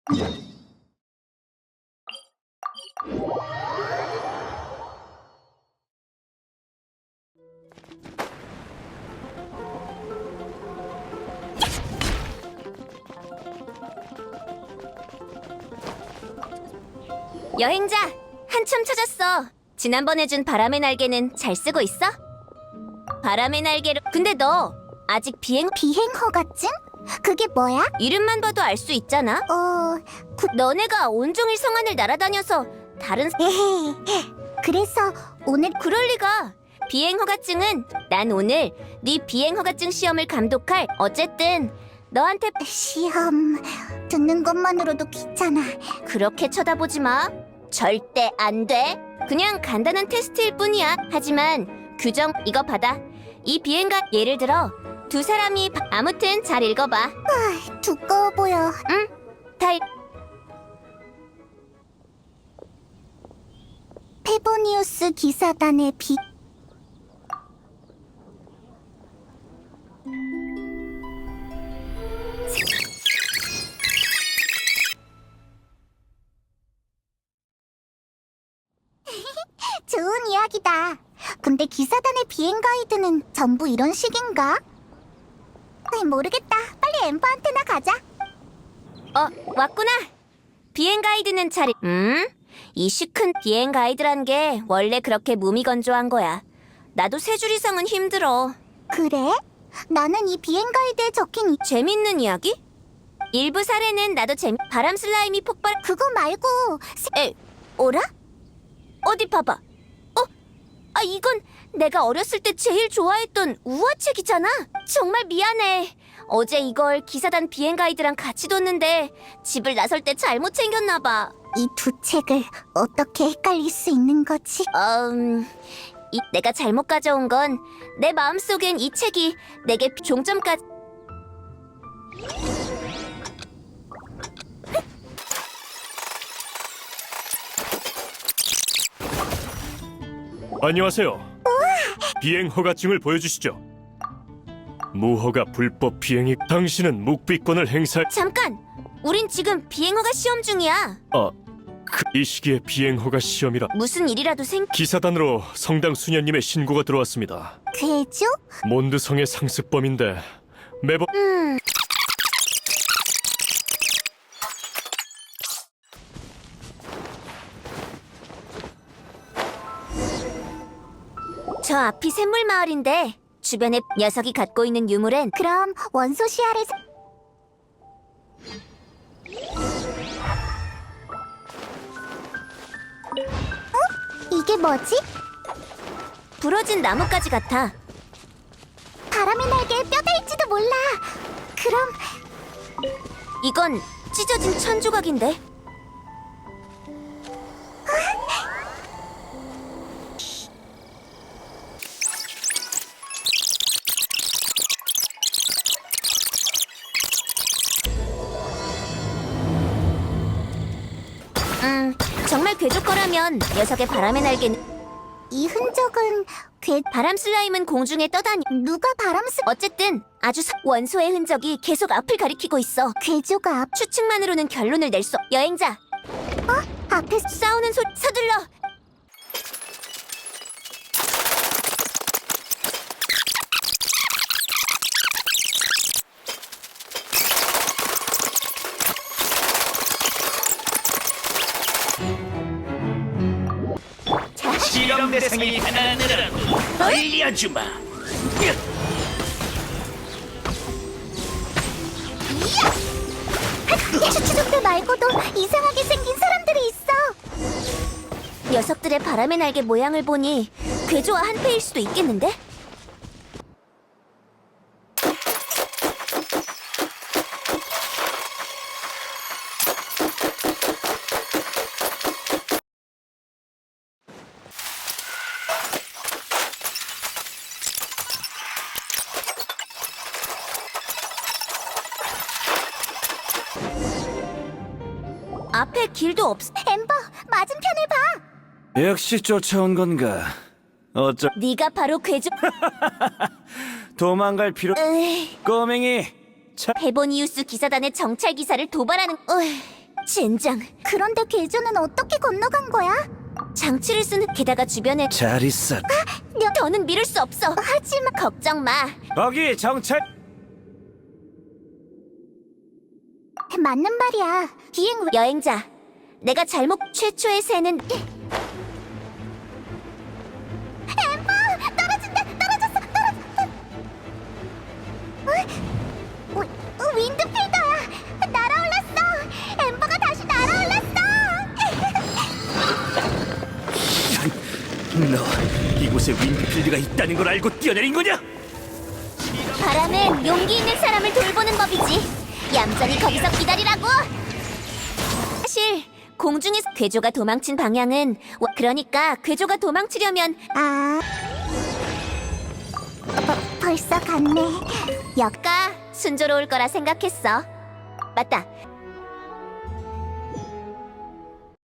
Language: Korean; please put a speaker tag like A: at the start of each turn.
A: 여행자, 한참 찾았어. 지난번에 준 바람의 날개는 잘 쓰고 있어? 바람의 날개로... 근데 너 아직
B: 비행허가증? 그게 뭐야?
A: 이름만 봐도 알 수 있잖아? 너네가 온종일 성안을 날아다녀서 다른...
B: 에헤이. 그래서 오늘
A: 그럴 리가. 비행허가증은 난 오늘 네 비행허가증 시험을 감독할... 어쨌든 너한테...
B: 시험 듣는 것만으로도 귀찮아.
A: 그렇게 쳐다보지 마. 절대 안 돼. 그냥 간단한 테스트일 뿐이야. 하지만 규정 이거 받아. 이 비행가 예를 들어 두 사람이 아무튼 잘 읽어봐.
B: 두꺼워 보여.
A: 다
B: 페보니우스 기사단의 비... 좋은 이야기다. 근데 기사단의 비행 가이드는 전부 이런 식인가? 모르겠다. 빨리 엠버한테나 가자.
A: 왔구나. 비행 가이드는 잘... 이 시큰 비행 가이드란 게 원래 그렇게 무미건조한 거야. 나도 세 줄 이상은 힘들어.
B: 그래? 나는 이 비행 가이드에 적힌
A: 재밌는 이야기? 일부 사례는 나도 바람 슬라임이 폭발...
B: 그거 말고
A: 오라? 어디 봐봐. 이건 내가 어렸을 때 제일 좋아했던 우화책이잖아. 정말 미안해. 어제 이걸 기사단 비행 가이드랑 같이 뒀는데 집을 나설 때 잘못 챙겼나 봐.
B: 이 두 책을 어떻게 헷갈릴 수 있는 거지?
A: 내가 잘못 가져온 건 내 마음속엔 이 책이 내게 종점까지...
C: 안녕하세요. 비행 허가증을 보여주시죠. 무허가 불법 비행이... 당신은 묵비권을 행사...
A: 잠깐! 우린 지금 비행허가 시험 중이야.
C: 이 시기에 비행 허가 시험이라...
A: 무슨 일이라도
C: 기사단으로 성당 수녀님의 신고가 들어왔습니다.
B: 괴조?
C: 몬드성의 상습범인데 매번...
A: 저 앞이 샘물 마을인데 주변에 녀석이 갖고 있는 유물엔
B: 그럼 원소 시야를 이게 뭐지?
A: 부러진 나뭇가지 같아.
B: 바람의 날개에 뼈가 있지도 몰라. 그럼
A: 이건 찢어진 천 조각인데. 정말 괴조 거라면 녀석의 바람의 날개는...
B: 이 흔적은
A: 바람 슬라임은 공중에 떠다니...
B: 누가
A: 어쨌든 아주 원소의 흔적이 계속 앞을 가리키고 있어.
B: 괴조가
A: 추측만으로는 결론을 낼 수... 여행자!
B: 앞에
A: 싸우는 소리... 서둘러!
D: 실험 대상이 하나느라고 알려주마.
B: 추추족들 말고도 이상하게 생긴 사람들이 있어.
A: 녀석들의 바람의 날개 모양을 보니 괴조와 한패일 수도 있겠는데? 앞에 길도
B: 엠버, 맞은편을 봐.
D: 역시 쫓아온 건가?
A: 네가 바로 괴조...
D: 도망갈 필요... 꼬맹이!
A: 페보니우스 기사단의 정찰 기사를 도발하는... 젠장.
B: 그런데 괴조는 어떻게 건너간 거야?
A: 장치를 쓴 게다가 주변에
D: 잘 있어.
A: 더는 미룰 수 없어. 하지만 걱정 마.
D: 거기 정찰.
B: 맞는 말이야. 비행
A: 여행자, 내가 잘못 최초의 새는
B: 윈드필더야. 날아올랐어. 엠버가 다시 날아올랐어.
D: 너 이곳에 윈드필드가 있다는 걸 알고 뛰어내린 거냐?
A: 바람은 용기 있는 사람을 돌보는 법이지. 얌전히 거기서 기다리라고. 사실 공중에서 괴조가 도망친 방향은 그러니까 괴조가 도망치려면
B: 아, 벌써 갔네.
A: 역가 순조로울 거라 생각했어. 맞다.